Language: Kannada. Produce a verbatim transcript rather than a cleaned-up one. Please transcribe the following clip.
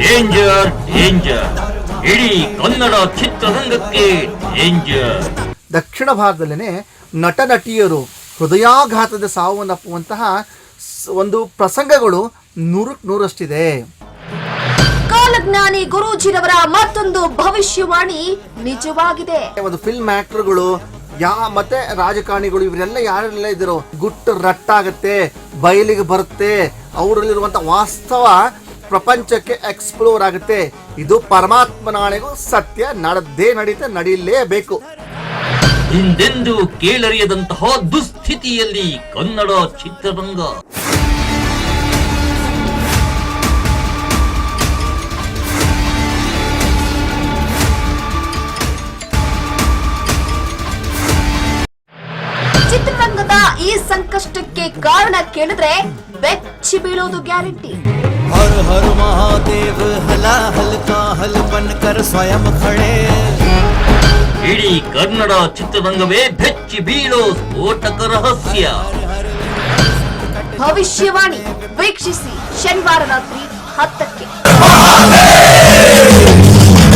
ಡೇಂಜರ್ ಡೇಂಜರ್ ಇಡೀ ಕನ್ನಡ ಚಿತ್ರರಂಗಕ್ಕೆ ಡೇಂಜರ್. ದಕ್ಷಿಣ ಭಾರತದಲ್ಲೇ ನಟ ನಟಿಯರು ಹೃದಯಾಘಾತದ ಸಾವನ್ನಪ್ಪುವಂತಹ ಒಂದು ಪ್ರಸಂಗಗಳು ನೂರಕ್ಕೆ ನೂರಷ್ಟಿದೆ. ಕಾಲಜ್ಞಾನಿ ಗುರೂಜಿರವರ ಮತ್ತೊಂದು ಭವಿಷ್ಯವಾಣಿ ನಿಜವಾಗಿದೆ. ಒಂದು ಫಿಲ್ಮ್ ಆಕ್ಟರ್ಗಳು ಯಾ ಮತ್ತೆ ರಾಜಕಾರಣಿಗಳು ಇವರೆಲ್ಲ ಯಾರೆಲ್ಲ ಇದ್ರು ಗುಟ್ಟು ರಟ್ಟಾಗತ್ತೆ, ಬಯಲಿಗೆ ಬರುತ್ತೆ, ಅವರಲ್ಲಿರುವಂತ ವಾಸ್ತವ ಪ್ರಪಂಚಕ್ಕೆ ಎಕ್ಸ್ಪ್ಲೋರ್ ಆಗುತ್ತೆ. ಇದು ಪರಮಾತ್ಮನಾಣೆಗೂ ಸತ್ಯ ನಡೆದೇ ನಡೀತೆ, ನಡೀಲೇಬೇಕು. ಹಿಂದೆಂದೂ ಕೇಳರಿಯದಂತಹ ದುಸ್ಥಿತಿಯಲ್ಲಿ ಕನ್ನಡ ಚಿತ್ರರಂಗ. ಚಿತ್ರರಂಗದ ಈ ಸಂಕಷ್ಟಕ್ಕೆ ಕಾರಣ ಕೇಳಿದ್ರೆ ಬೆಚ್ಚಿ ಬೀಳೋದು ಗ್ಯಾರಂಟಿ. हर हर महादेव हला हल्का हल बनकर स्वयं खड़े. ಇಡೀ ಕನ್ನಡ ಚಿತ್ರರಂಗವೇ ಬೆಚ್ಚಿ ಬೀಳೋ ಸ್ಫೋಟಕ ರಹಸ್ಯ. ಭವಿಷ್ಯವಾಣಿ ವೀಕ್ಷಿಸಿ ಶನಿವಾರ ರಾತ್ರಿ ಹತ್ತಕ್ಕೆ.